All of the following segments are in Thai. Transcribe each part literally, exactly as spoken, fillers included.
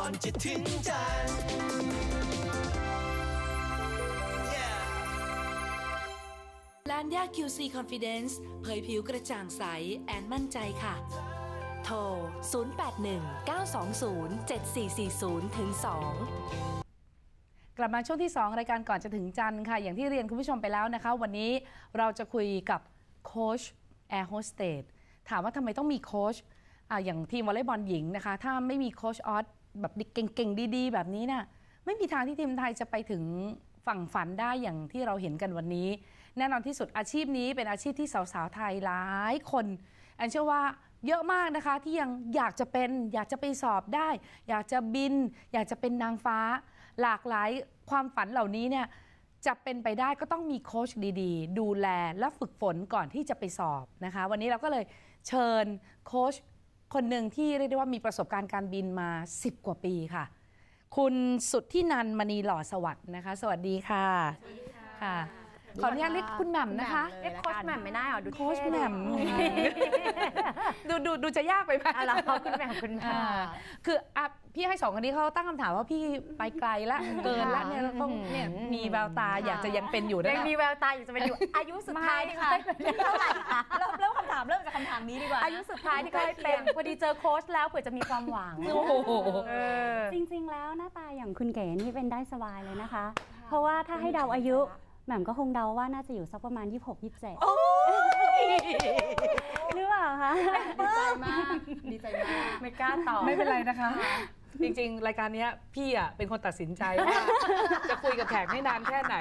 อนจะถึงจันทร์ลานย่า คิว ซี Confidence เผยผิวกระจ่างใสแอนมั่นใจค่ะโทรศูนย์ แปด หนึ่ง เก้า สอง ศูนย์ เจ็ด สี่ สี่ ศูนย์ ถึง สองกลับมาช่วงที่สองรายการก่อนจะถึงจันทร์ค่ะอย่างที่เรียนคุณผู้ชมไปแล้วนะคะวันนี้เราจะคุยกับโค้ชแอร์โฮสเตสถามว่าทำไมต้องมีโค้ชอ่ะอย่างทีมวอลเลย์บอลหญิงนะคะถ้าไม่มีโค้ชออสแบบเก่งๆดีๆแบบนี้น่ะไม่มีทางที่ทีมไทยจะไปถึงฝั่งฝันได้อย่างที่เราเห็นกันวันนี้แน่นอนที่สุดอาชีพนี้เป็นอาชีพที่สาวๆไทยหลายคนแอนเชื่อว่าเยอะมากนะคะที่ยังอยากจะเป็นอยากจะไปสอบได้อยากจะบินอยากจะเป็นนางฟ้าหลากหลายความฝันเหล่านี้เนี่ยจะเป็นไปได้ก็ต้องมีโค้ชดีๆดูแลและฝึกฝนก่อนที่จะไปสอบนะคะวันนี้เราก็เลยเชิญโค้ชคนหนึ่งที่เรียกได้ว่ามีประสบการณ์การบินมาสิบกว่าปีค่ะคุณสุทธินันท์มณีหล่อสวัสดิ์นะคะสวัสดีค่ะสวัสดีค่ะขออนุญาตเรียกคุณแหม่มนะคะเรียกโค้ชแหม่มไม่ได้หรอดูโค้ชแหม่มดูดูดูจะยากไปไหมอะไรคุณแหม่มคุณแหม่มคืออ่ะพี่ให้สองคนนี้เขาตั้งคำถามว่าพี่ไปไกลละเกินละเนี่ยเขาเนี่ยมีแววตาอยากจะยังเป็นอยู่นะยังมีแววตาอยากจะเป็นอยู่อายุสุดท้ายค่ะเท่าไหร่คะเริ่มเริ่มคำถามเริ่มจากคำถามนี้ดีกว่าอายุสุดท้ายที่เคยเป็นพอดีเจอโค้ชแล้วเผื่อจะมีความหวังโอ้โหจริงๆแล้วหน้าตาอย่างคุณเก๋นี่เป็นได้สบายเลยนะคะเพราะว่าถ้าให้เดาอายุแหม่มก็คงเดาว่าน่าจะอยู่สักประมาณยี่สิบหก ยี่สิบเจ็ดหรือเปล่าคะดีใจมากดีใจมากไม่กล้าตอบไม่เป็นไรนะคะจริงๆรายการนี้พี่อ่ะเป็นคนตัดสินใจว่าจะคุยกับแขกให้นานแค่ไหน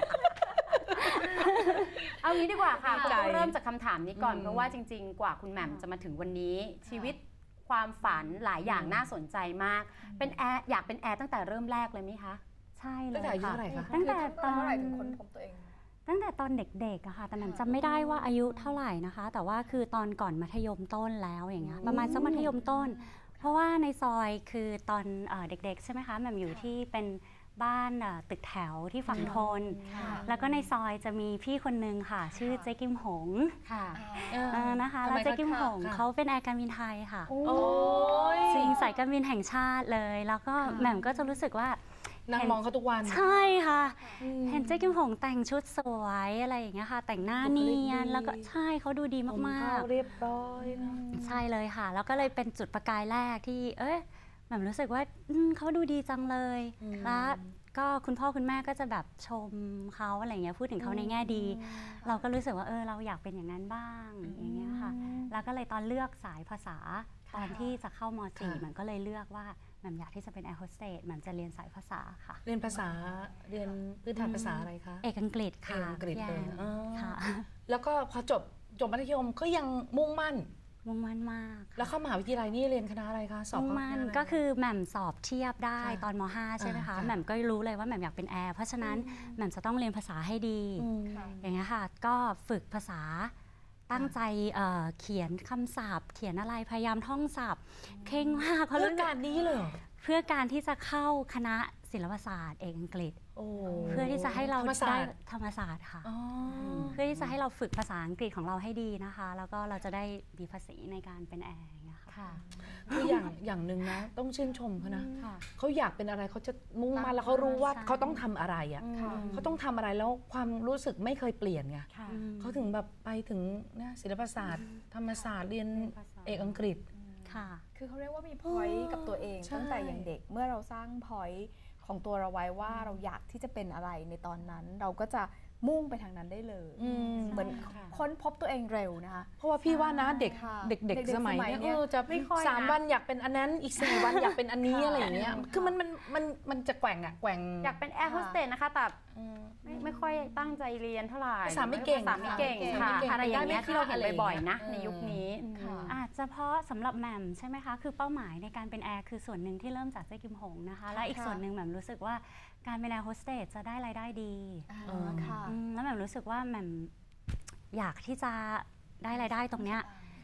เอางี้ดีกว่าค่ะต้องเริ่มจากคำถามนี้ก่อนเพราะว่าจริงๆกว่าคุณแหม่มจะมาถึงวันนี้ชีวิตความฝันหลายอย่างน่าสนใจมากเป็นแอร์อยากเป็นแอร์ตั้งแต่เริ่มแรกเลยไหมคะใช่เลยค่ะตั้งแต่ตอนเท่าไหร่ถึงค้นพบตัวเองตั้งแต่ตอนเด็กๆอะค่ะแต่แหม่มจำไม่ได้ว่าอายุเท่าไหร่นะคะแต่ว่าคือตอนก่อนมัธยมต้นแล้วอย่างเงี้ยประมาณสักมัธยมต้นเพราะว่าในซอยคือตอนเด็กๆใช่ไหมคะแหม่มอยู่ที่เป็นบ้านตึกแถวที่ฝั่งทนแล้วก็ในซอยจะมีพี่คนนึงค่ะชื่อเจ๊กิมหงค่ะนะคะแล้วเจ๊กิมหงเขาเป็นแอร์การบินไทยค่ะจริงสายการบินแห่งชาติเลยแล้วก็แหม่มก็จะรู้สึกว่านางมองเขาทุกวันใช่ค่ะเห็นเจ๊กิมหงแต่งชุดสวยอะไรอย่างเงี้ยค่ะแต่งหน้าเนียนแล้วก็ใช่เขาดูดีมากๆเรียบร้อยนะใช่เลยค่ะแล้วก็เลยเป็นจุดประกายแรกที่เอ้ยแบบรู้สึกว่าเขาดูดีจังเลยแล้วก็คุณพ่อคุณแม่ก็จะแบบชมเขาอะไรเงี้ยพูดถึงเขาในแง่ดีเราก็รู้สึกว่าเออเราอยากเป็นอย่างนั้นบ้างอย่างเงี้ยค่ะแล้วก็เลยตอนเลือกสายภาษาตอนที่จะเข้าม.สี่มันก็เลยเลือกว่าแหม่มอยากที่จะเป็นแอร์โฮสเตสแหม่มจะเรียนสายภาษาค่ะเรียนภาษาเรียนพื้นฐานภาษาอะไรคะเอกอังกฤษค่ะอังกฤษเลยค่ะแล้วก็พอจบจบมัธยมก็ยังมุ่งมั่นมุ่งมั่นมากแล้วเข้ามหาวิทยาลัยนี่เรียนคณะอะไรคะสอบมุ่งมั่นก็คือแหม่มสอบเทียบได้ตอนม.ห้าใช่ไหมคะแหม่มก็รู้เลยว่าแหม่มอยากเป็นแอร์เพราะฉะนั้นแหม่มจะต้องเรียนภาษาให้ดีอย่างเงี้ยค่ะก็ฝึกภาษาตั้งใจเขียนคำศัพท์เขียนอะไรพยายามท่องศัพท์เข่งมากเพื่อการนี้เลยเพื่อการที่จะเข้าคณะศิลปศาสตร์เอกอังกฤษเพื่อที่จะให้เราได้ธรรมศาสตร์ค่ะเพื่อที่จะให้เราฝึกภาษาอังกฤษของเราให้ดีนะคะแล้วก็เราจะได้มีภาษีในการเป็นแอร์ค่ะคืออย่างอย่างหนึ่งนะต้องชื่นชมเขานะเขาอยากเป็นอะไรเขาจะมุ่งมั่นแล้วเขารู้ว่าเขาต้องทำอะไรอ่ะเขาต้องทำอะไรแล้วความรู้สึกไม่เคยเปลี่ยนไงเขาถึงแบบไปถึงนะศิลปศาสตร์ธรรมศาสตร์เรียนเอกอังกฤษค่ะคือเขาเรียกว่ามีพอยต์กับตัวเองตั้งแต่อย่างเด็กเมื่อเราสร้างพอยต์ของตัวเราไว้ว่าเราอยากที่จะเป็นอะไรในตอนนั้นเราก็จะมุ่งไปทางนั้นได้เลยเหมือนค้นพบตัวเองเร็วนะคะเพราะว่าพี่ว่านะเด็กเด็กเด็กสมัยนี้จะสามวันอยากเป็นอันนั้นอีกสี่วันอยากเป็นอันนี้อะไรอย่างเงี้ยคือมันมันมันมันจะแกว่งอะแกว่งอยากเป็นแอร์โฮสเตสนะคะแต่ไม่ไม่ค่อยตั้งใจเรียนเท่าไหร่ภาษาไม่เก่งภาษาไม่เก่งค่ะอะไรอย่างเงี้ยที่เราเห็นบ่อยๆนะในยุคนี้อาจจะเพราะสำหรับแหม่มใช่ไหมคะคือเป้าหมายในการเป็นแอร์คือส่วนหนึ่งที่เริ่มจากเจ๊กิมหงนะคะและอีกส่วนหนึ่งแหม่มรู้สึกว่าการเป็นแอร์โฮสเตสจะได้รายได้ดีแล้วแหม่มรู้สึกว่าแหม่มอยากที่จะได้รายได้ตรงเนี้ย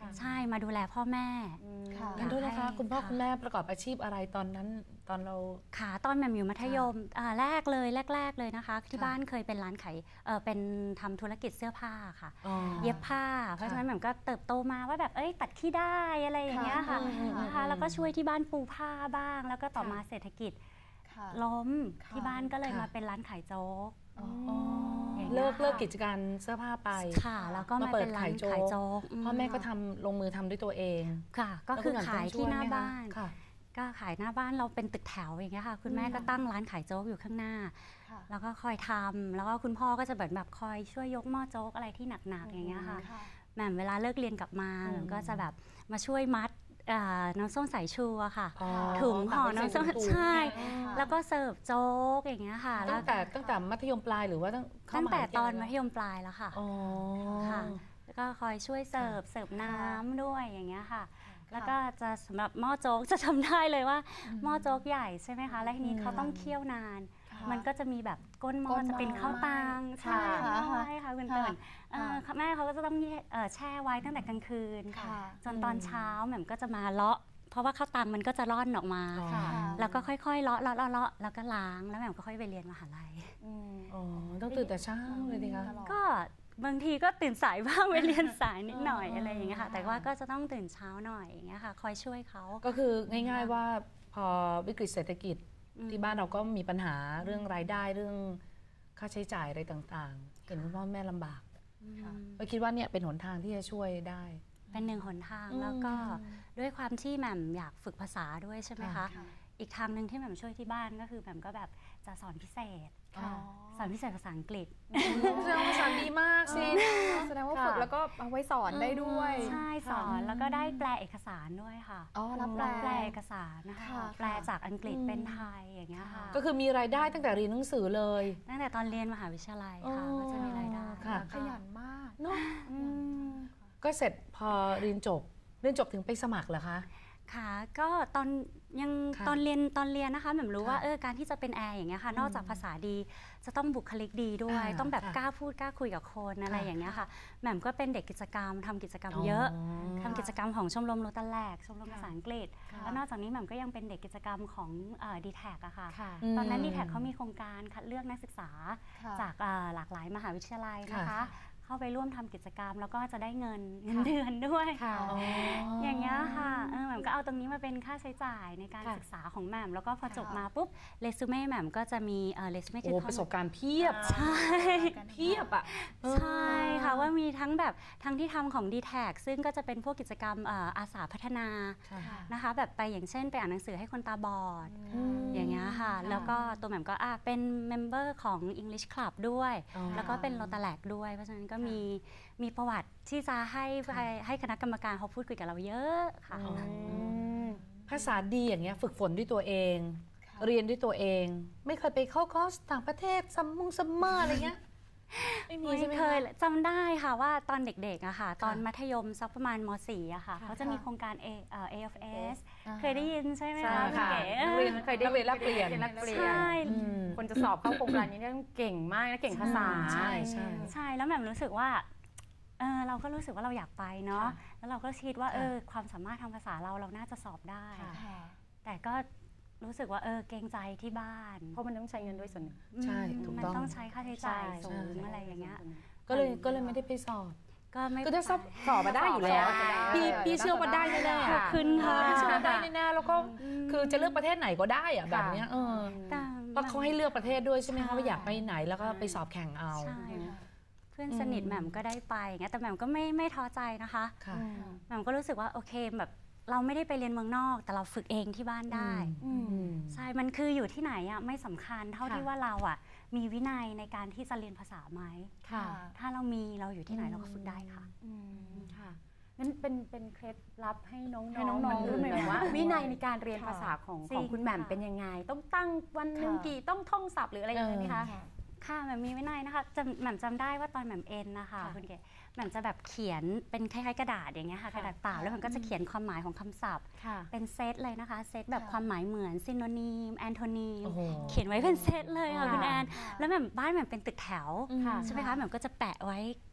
ใช่มาดูแลพ่อแม่ค่ะงั้นด้วยนะคะให้คุณพ่อค่ะคุณแม่ประกอบอาชีพอะไรตอนนั้นตอนเราค่ะตอนแหม่มอยู่มัธยมอ่าแรกเลยแรก ๆเลยนะคะ ที่ค่ะบ้านเคยเป็นร้านขายเออเป็นทำธุรกิจเสื้อผ้าค่ะอ๋อเย็บผ้า เพราะฉะนั้นแหม่มก็เติบโตมาว่าแบบเอ้ยตัดขี้ได้อะไรอย่างเงี้ยค่ะอืมอืมอืมนะคะแล้วก็ช่วยที่บ้านปูผ้าบ้าง แล้วก็ต่อมาเศรษฐกิจค่ะล้มค่ะที่บ้านก็เลยค่ะมาเป็นร้านขายโจ๊กอ๋ออ๋ออย่างเงี้ยเลิกค่ะเลิกกิจการเสื้อผ้าไปค่ะ แล้วก็มามาเปิดเป็นร้านขายโจ๊กขายโจ๊กพ่อแม่ก็ทำลงมือทำด้วยตัวเองค่ะ ก็คือขายที่หน้าบ้านค่ะก็ขายหน้าบ้านเราเป็นตึกแถวอย่างเงี้ยค่ะ คุณแม่ก็ตั้งร้านขายโจ๊กอยู่ข้างหน้าค่ะแล้วก็คอยทำแล้วก็คุณพ่อก็จะแบบแบบคอยช่วยยกหม้อโจ๊กอะไรที่หนักๆอย่างเงี้ยค่ะค่ะแหม่มเวลาเลิกเรียนกลับมาอืมแหม่มก็จะแบบมาช่วยมัดอ่าน้ำส้มสายชูอะค่ะอ๋อถุงห่อน้ำส้มตัดเป็นถุงใช่ค่ะแล้วก็เสิร์ฟโจ๊กอย่างเงี้ยค่ะตั้งแต่ตั้งแต่มัธยมปลายหรือว่าตั้งเข้าตั้งมหาแต่วิทตยาอลันยมัธยมปลายแล้วค่ะอ๋อค่ะ แล้วก็คอยช่วยเสิร์ฟเสิร์ฟน้ำด้วยอย่างเงี้ยค่ะ แล้วก็จะสำหรับหม้อโจ๊กจะทำได้เลยว่าหม้อโจ๊กใหญ่ใช่ไหมคะ และทีนี้เขาต้องเคี่ยวนานค่ะมันก็จะมีแบบก้นหม้อก้นหม้อจะเป็นข้าวตังใช่ค่ะใช่ค่ะคุณเติร์นเอ่อค่ะแม่เขาก็จะต้องเอ่อแช่ไว้ตั้งแต่กลางคืนค่ะจนตอนเช้าแหม่มก็จะมาเลาะ เพราะว่าข้าวตังมันก็จะร่อนออกมาอ๋อค่ะแล้วก็ค่อยๆเลาะเลาะเลาะเลาะแล้วก็ล้างแล้วแหม่มก็ค่อยไปเรียนมหาลัยอืมอ๋อต้องตื่นแต่เช้าเลยดิคะตลอดก็บางทีก็ตื่นสายบ้าง ไปเรียนสายนิดหน่อยอ๋อออะไรอย่างเงี้ยค่ะค่ะแต่ว่าก็จะต้องตื่นเช้าหน่อยอย่างเงี้ยค่ะ คอยช่วยเขาก็คือง่ายๆว่าพอวิกฤตเศรษฐกิจอืมที่บ้านเราก็มีปัญหาเรื่องรายได้เรื่องค่าใช้จ่ายอะไรต่างๆ เห็นคุณพ่อแม่ลำบากอืมก็คิดว่าเนี่ยเป็นหนทางที่จะช่วยได้เป็นหนึ่งหนทางอืมแล้วก็ด้วยความที่แหม่มอยากฝึกภาษาด้วยใช่ไหมคะค่ะอีกทางหนึ่งที่แหม่มช่วยที่บ้านก็คือแหม่มก็แบบจะสอนพิเศษค่ะสอนพิเศษภาษาอังกฤษแสดงว่าภาษาดีมากสิแสดงว่าค่ะฝึกแล้วก็เอาไว้สอนได้ด้วยใช่สอนแล้วก็ได้แปลเอกสารด้วยค่ะอ๋อรับแปลแปลเอกสารนะคะค่ะแปลจากอังกฤษอืมเป็นไทยอย่างเงี้ยค่ะก็คือมีรายได้ตั้งแต่เรียนหนังสือเลยตั้งแต่ตอนเรียนมหาวิทยาลัยค่ะอ๋อก็จะมีรายได้ค่ะขยันมากเนาะอืมก็เสร็จพอเรียนจบเรียนจบถึงไปสมัครเหรอคะค่ะก็ตอนยังค่ะตอนเรียนตอนเรียนนะคะแหม่มรู้ค่ะว่าเออการที่จะเป็นแอร์อย่างเงี้ยค่ะ นอกจากภาษาดีจะต้องบุคลิกดีด้วยอ่าต้องแบบค่ะกล้าพูดกล้าคุยกับคนอะไรค่ะอย่างเงี้ยค่ะแหม่มก็เป็นเด็กกิจกรรมทำกิจกรรมเยอะทำกิจกรรมของชมรมโรตาแลกชมรมภาษาอังกฤษค่ะแล้วนอกจากนี้แหม่มก็ยังเป็นเด็กกิจกรรมของดีแท็กอะค่ะค่ะอืมตอนนั้นดีแท็กเขามีโครงการคัดเลือกนักศึกษาค่ะจากเอ่อหลากหลายมหาวิทยาลัยนะคะค่ะเข้าไปร่วมทำกิจกรรม แล้วก็จะได้เงินเงินเดือนด้วยค่ะอ๋อออย่างเงี้ยค่ะเออแหม่มก็เอาตรงนี้มาเป็นค่าใช้จ่ายในการค่ะศึกษาของแหม่มแล้วก็พอค่ะจบมาปุ๊บเรซูเม่แหม่มก็จะมีเอ่อเรซูเม่โอ้ประสบการณ์เพียบใช่เพียบอ่ะใช่ค่ะว่ามีทั้งแบบทั้งที่ทำของ ดี แท็ก ซึ่งก็จะเป็นพวกกิจกรรมเอ่ออาสาพัฒนาค่ะนะคะ แบบไปอย่างเช่นไปอ่านหนังสือให้คนตาบอดอืมอย่างเงี้ยค่ะ แล้วก็ตัวแหม่มก็อ่ะเป็นเมมเบอร์ของ English Club ด้วยอ๋อแล้วก็เป็นโรตาแลกด้วย เพราะฉะนั้นก็มีมีประวัติที่จะให้ให้ให้คณะกรรมการเขาพูดคุยกับเราเยอะค่ะอ๋อภาษาดีอย่างเงี้ยฝึกฝนด้วยตัวเอง เรียนด้วยตัวเอง ไม่เคยไปเข้าคอร์สต่างประเทศซัมมุงซัมเมอร์อะไรเงี้ยไม่มีไม่ใช่ไหมเคยคะจำได้ค่ะว่าตอนเด็กๆอะค่ะ ตอนมัธยมสักประมาณม สี่อะค่ะค่ะเขาจะมีโครงการ A เอ่อ เอ เอฟ เอสอ่าเคยได้ยินใช่ไหมใช่คะคุณค่ะเก๋นักเรียนเคยได้เรียนแลกเปลี่ยนแลกเปลี่ยนใช่อืมคนจะสอบเข้าโครงการนี้เนี่ยต้องเก่งมากนะเก่งภาษาใช่ใช่ใช่แล้วแหม่มรู้สึกว่าเออเราก็รู้สึกว่าเราอยากไปเนาะค่ะแล้วเราก็คิดว่าค่ะเออความสามารถทางภาษาเราเราน่าจะสอบได้ค่ะค่ะแต่ก็รู้สึกว่าเออเกรงใจที่บ้านเพราะมันต้องใช้เงินด้วยส่วนหนึ่งใช่อืมถูกมันต้องต้องใช้ค่าใช้จ่ายใช่สูงใช่อะไรอย่างเงี้ยก็เลยก็เลยไม่ได้ไปสอบก็ไม่คือถ้าสอบไปสอบมาได้อยู่แล้วสอบได้พี่พี่เชื่อว่าได้แน่ๆขอบคุณค่ะพี่เชื่อว่าได้แน่ๆแล้วก็คือจะเลือกประเทศไหนก็ได้อะแบบเนี้ยเออแต่เพราะเขาให้เลือกประเทศด้วยใช่ไหมใช่คะว่าอยากไปไหนแล้วก็ไปสอบแข่งเอาใช่เพื่อนสนิทแหม่มก็ได้ไปอย่างเงี้ยแต่แหม่มก็ไม่ไม่ท้อใจนะคะค่ะแหม่มก็รู้สึกว่าโอเคแบบเราไม่ได้ไปเรียนเมืองนอก แต่เราฝึกเองที่บ้านได้อืมใช่ มันคืออยู่ที่ไหนอ่ะไม่สำคัญเท่าค่ะที่ว่าเราอ่ะมีวินัยในการที่จะเรียนภาษาไหมค่ะถ้าเรามีเราอยู่ที่ไหนเราก็ฝึกได้ค่ะค่ะงั้นเป็นเป็นเคล็ดลับให้น้องๆให้น้องๆรุ่นใหม่ๆว่า วินัยในการเรียนค่ะภาษาของจริงของคุณแหม่มค่ะเป็นยังไง ต้องตั้งวันหนึ่งค่ะกี่ต้องท่องศัพท์หรืออะไรอย่างเงี้ยไหมคะค่ะแหม่มมีวินัยนะคะจำแหม่มจำได้ว่าตอนแหม่มเอ็นนะคะค่ะคุณเก๋แหม่มจะแบบเขียนเป็นคล้ายๆกระดาษอย่างเงี้ยค่ะค่ะกระดาษเปล่าแล้วมันก็จะเขียนความหมายของคำศัพท์ค่ะเป็นเซตเลยนะคะ เซตแบบค่ะความหมายเหมือนซินโนนีมแอนโทนีมโอ้โหเขียนไว้เป็นเซตเลยค่ะค่ะคุณแอนแล้วแหม่มบ้านแหม่มเป็นตึกแถวค่ะใช่ไหมคะแหม่มก็จะแปะไว้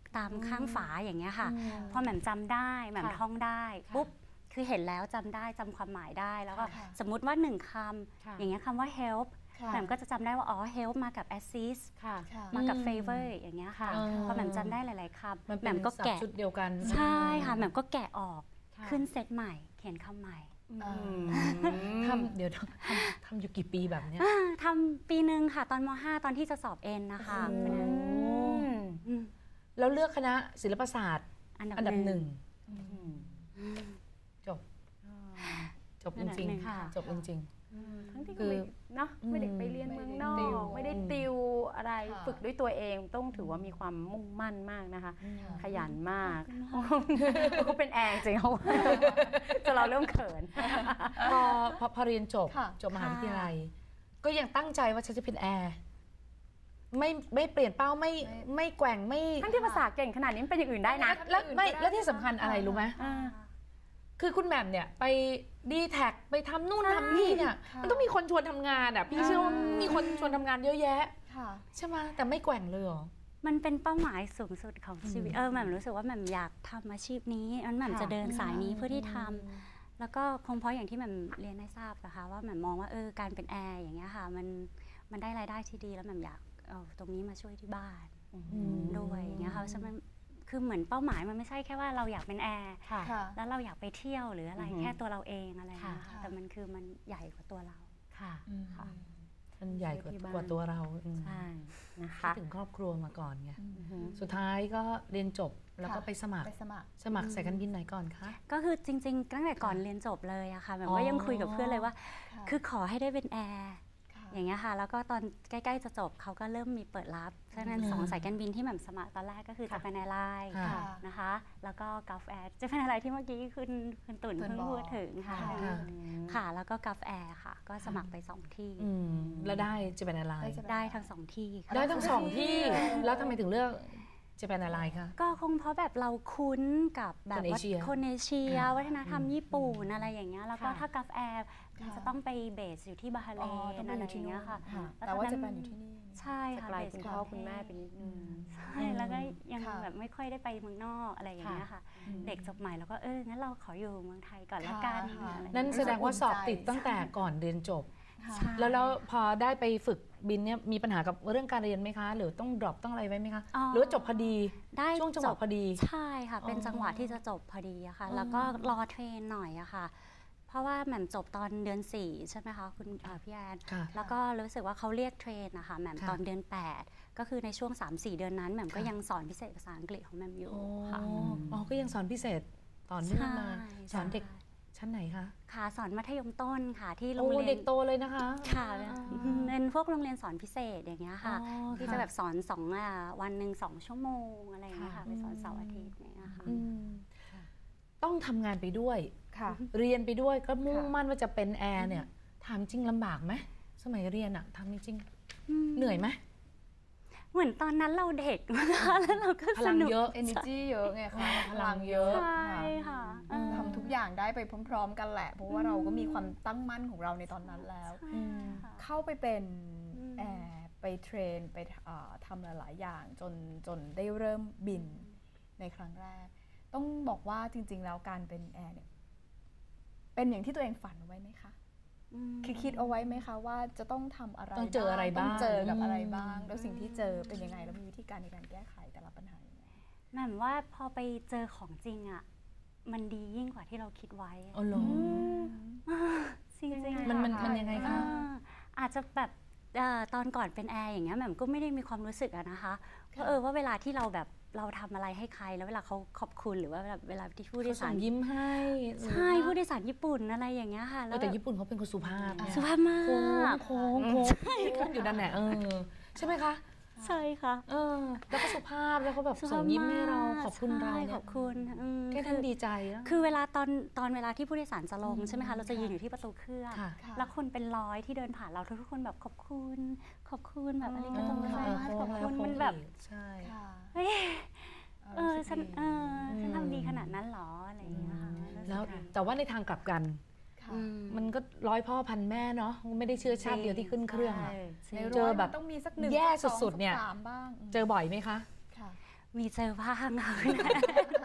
ตามข้างฝาอย่างเงี้ยค่ะพอแหม่มจำได้แหม่มท่องได้ปุ๊บคือเห็นแล้วจำได้จำความหมายได้แล้วก็สมมุติว่าหนึ่งคำอย่างเงี้ยคำว่า help แหม่มก็จะจำได้ว่าอ๋อ help มากับ assist มากับ favor อย่างเงี้ยค่ะพอแหม่มจำได้หลายๆคำแหม่มก็แกะชุดเดียวกันใช่ค่ะแหม่มก็แกะออกขึ้นเซตใหม่เขียนคำใหม่ทำเดี๋ยวทำทำอยู่กี่ปีแบบเนี้ยทำปีหนึ่งค่ะตอนม.ห้า ตอนที่จะสอบเอ็นนะคะแล้วเลือกคณะศิลปศาสตร์อันดับหนึ่งจบจบจริงๆจบจริงๆทั้งที่คือเนาะไม่ได้ไปเรียนเมืองนอกไม่ได้ติวอะไรฝึกด้วยตัวเองต้องถือว่ามีความมุ่งมั่นมากนะคะขยันมากเขาเป็นแอร์จริงเขาจะเราเริ่มเขินพอพอเรียนจบจบมหาวิทยาลัยก็ยังตั้งใจว่าฉันจะเป็นแอร์ไม่ไม่เปลี่ยนเป้าไม่ไม่แกว่งไม่ทั้งที่ภาษาเก่งขนาดนี้เป็นอย่างอื่นได้นะแล้วไม่แล้วที่สำคัญอะไรรู้ไหมคือคุณแหม่มเนี่ยไปดีแท็กไปทำนู่นทำนี่เนี่ยมันต้องมีคนชวนทำงานอ่ะพี่เชื่อว่ามีคนชวนทำงานเยอะแยะใช่ไหมแต่ไม่แกว่งเลยหรอมันเป็นเป้าหมายสูงสุดของชีวิตเออแหม่มรู้สึกว่าแหม่มอยากทำอาชีพนี้อันแหม่มจะเดินสายนี้เพื่อที่ทำแล้วก็คงเพราะอย่างที่แหม่มเรียนให้ทราบนะคะว่าแหม่มมองว่าเออการเป็นแอร์อย่างเงี้ยค่ะมันมันได้รายได้ที่ดีแล้วแหม่มอยากเอาตรงนี้มาช่วยที่บ้านด้วยอย่างเงี้ยค่ะฉะนั้นคือเหมือนเป้าหมายมันไม่ใช่แค่ว่าเราอยากเป็นแอร์แล้วเราอยากไปเที่ยวหรืออะไรแค่ตัวเราเองอะไรนะคะแต่มันคือมันใหญ่กว่าตัวเราค่ะมันใหญ่กว่าตัวเราใช่นะคะถึงครอบครัวมาก่อนไงสุดท้ายก็เรียนจบแล้วก็ไปสมัครสมัครสายการบินไหนก่อนคะก็คือจริงๆตั้งแต่ก่อนเรียนจบเลยอะค่ะแบบว่ายังคุยกับเพื่อนเลยว่าคือขอให้ได้เป็นแอร์อย่างเงี้ยค่ะแล้วก็ตอนใกล้ๆจะจบเขาก็เริ่มมีเปิดรับฉะนั้นสองสายการบินที่แหม่มสมัครตอนแรกก็คือจะเป็นแอร์ไลน์นะคะแล้วก็กัฟแอร์จะเป็นอะไรที่เมื่อกี้คุณคุณตุ่นเพิ่งพูดถึงค่ะค่ะแล้วก็กัฟแอร์ค่ะก็สมัครไปสองที่แล้วได้จะเป็นแอร์ไลน์ได้ทั้งสองที่ได้ทั้งสองที่แล้วทำไมถึงเลือกจะเป็นอะไรคะก็คงเพราะแบบเราคุ้นกับแบบคนเอเชียวัฒนธรรมญี่ปุ่นอะไรอย่างเงี้ยแล้วก็ถ้ากัฟแอร์มันจะต้องไปเบสอยู่ที่บาฮาเรนอะไรอย่างเงี้ยค่ะแต่ว่าจะเป็นอยู่ที่นี่ใช่ค่ะไกลคุณพ่อคุณแม่เป็นนิดนึงใช่แล้วก็ยังแบบไม่ค่อยได้ไปเมืองนอกอะไรอย่างเงี้ยค่ะเด็กจบใหม่แล้วก็เอองั้นเราขออยู่เมืองไทยก่อนละกันนั่นแสดงว่าสอบติดตั้งแต่ก่อนเรียนจบแล้วแล้วพอได้ไปฝึกบินเนี่ยมีปัญหากับเรื่องการเรียนไหมคะหรือต้องดรอปต้องอะไรไว้ไหมคะหรือว่าจบพอดีได้ช่วงจังหวะพอดีใช่ค่ะเป็นจังหวะที่จะจบพอดีอะค่ะแล้วก็รอเทรนหน่อยอะค่ะเพราะว่าแหม่มจบตอนเดือนสี่ใช่ไหมคะคุณพี่แอนแล้วก็รู้สึกว่าเขาเรียกเทรนนะคะแหม่มตอนเดือนแปดก็คือในช่วง สามสี่ เดือนนั้นแหม่มก็ยังสอนพิเศษภาษาอังกฤษของแหม่มอยู่ค่ะอ๋อก็ยังสอนพิเศษต่อเนื่องมาสอนเด็กชั้นไหนคะค่ะสอนมัธยมต้นค่ะที่โรงเรียนเด็กโตเลยนะคะค่ะเป็นพวกโรงเรียนสอนพิเศษอย่างเงี้ยค่ะที่จะแบบสอนสองวันหนึ่งสองชั่วโมงอะไรอย่างเงี้ยค่ะไปสอนเสาร์อาทิตย์เนี่ยค่ะต้องทำงานไปด้วยเรียนไปด้วยก็มุ่งมั่นว่าจะเป็นแอร์เนี่ยถามจริงลำบากไหมสมัยเรียนอะทำจริงเหนื่อยไหมเหมือนตอนนั้นเราเด็กนะคะแล้วเราก็สนุกเยอะ energy เยอะไงคะพลังเยอะใช่ค่ะทำทุกอย่างได้ไปพร้อมๆกันแหละเพราะว่าเราก็มีความตั้งมั่นของเราในตอนนั้นแล้วเข้าไปเป็นแอร์ไปเทรนไปทำหลายๆอย่างจนจนได้เริ่มบินในครั้งแรกต้องบอกว่าจริงๆแล้วการเป็นแอร์เนี่ยเป็นอย่างที่ตัวเองฝันไว้ไหมคะคือคิดเอาไว้ไหมคะว่าจะต้องทำอะไรต้องเจออะไรบ้างต้องเจอกับอะไรบ้างแล้วสิ่งที่เจอเป็นยังไงแล้วมีวิธีการในการแก้ไขแต่ละปัญหายังไงหมายว่าพอไปเจอของจริงอ่ะมันดียิ่งกว่าที่เราคิดไว้อ๋อเหรอจริงๆมันมันมันยังไงคะอาจจะแบบตอนก่อนเป็นแอร์อย่างเงี้ยแหม่มก็ไม่ได้มีความรู้สึกอะนะคะว่าเออว่าเวลาที่เราแบบเราทำอะไรให้ใครแล้วเวลาเขาขอบคุณหรือว่าเวลาที่ผู้โดยสารยิ้มให้ใช่ผู้โดยสารญี่ปุ่นอะไรอย่างเงี้ยค่ะแต่ญี่ปุ่นเขาเป็นคนสุภาพสุภาพมากโค้งโค้งโค้งอยู่ด้านไหนเออใช่ไหมคะใช่ค่ะเออแล้วก็สุภาพแล้วเขาแบบส่งยิ้มให้เราขอบคุณเราเนี่ยขอบคุณแค่ท่านดีใจแล้วคือเวลาตอนตอนเวลาที่ผู้โดยสารจะลงใช่ไหมคะเราจะยืนอยู่ที่ประตูเครื่องแล้วคนเป็นร้อยที่เดินผ่านเราทุกคนแบบขอบคุณขอบคุณแบบอะไรก็ต้องขอบคุณมันแบบใช่เออฉันเออฉันทำดีขนาดนั้นหรออะไรอย่างเงี้ยค่ะแล้วแต่ว่าในทางกลับกันมันก็ร้อยพ่อพันแม่เนาะไม่ได้เชื้อชาติเดียวที่ขึ้นเครื่องเจอแบบแย่สุดๆเนี่ยเจอบ่อยไหมคะมีเจอบ้างค่ะ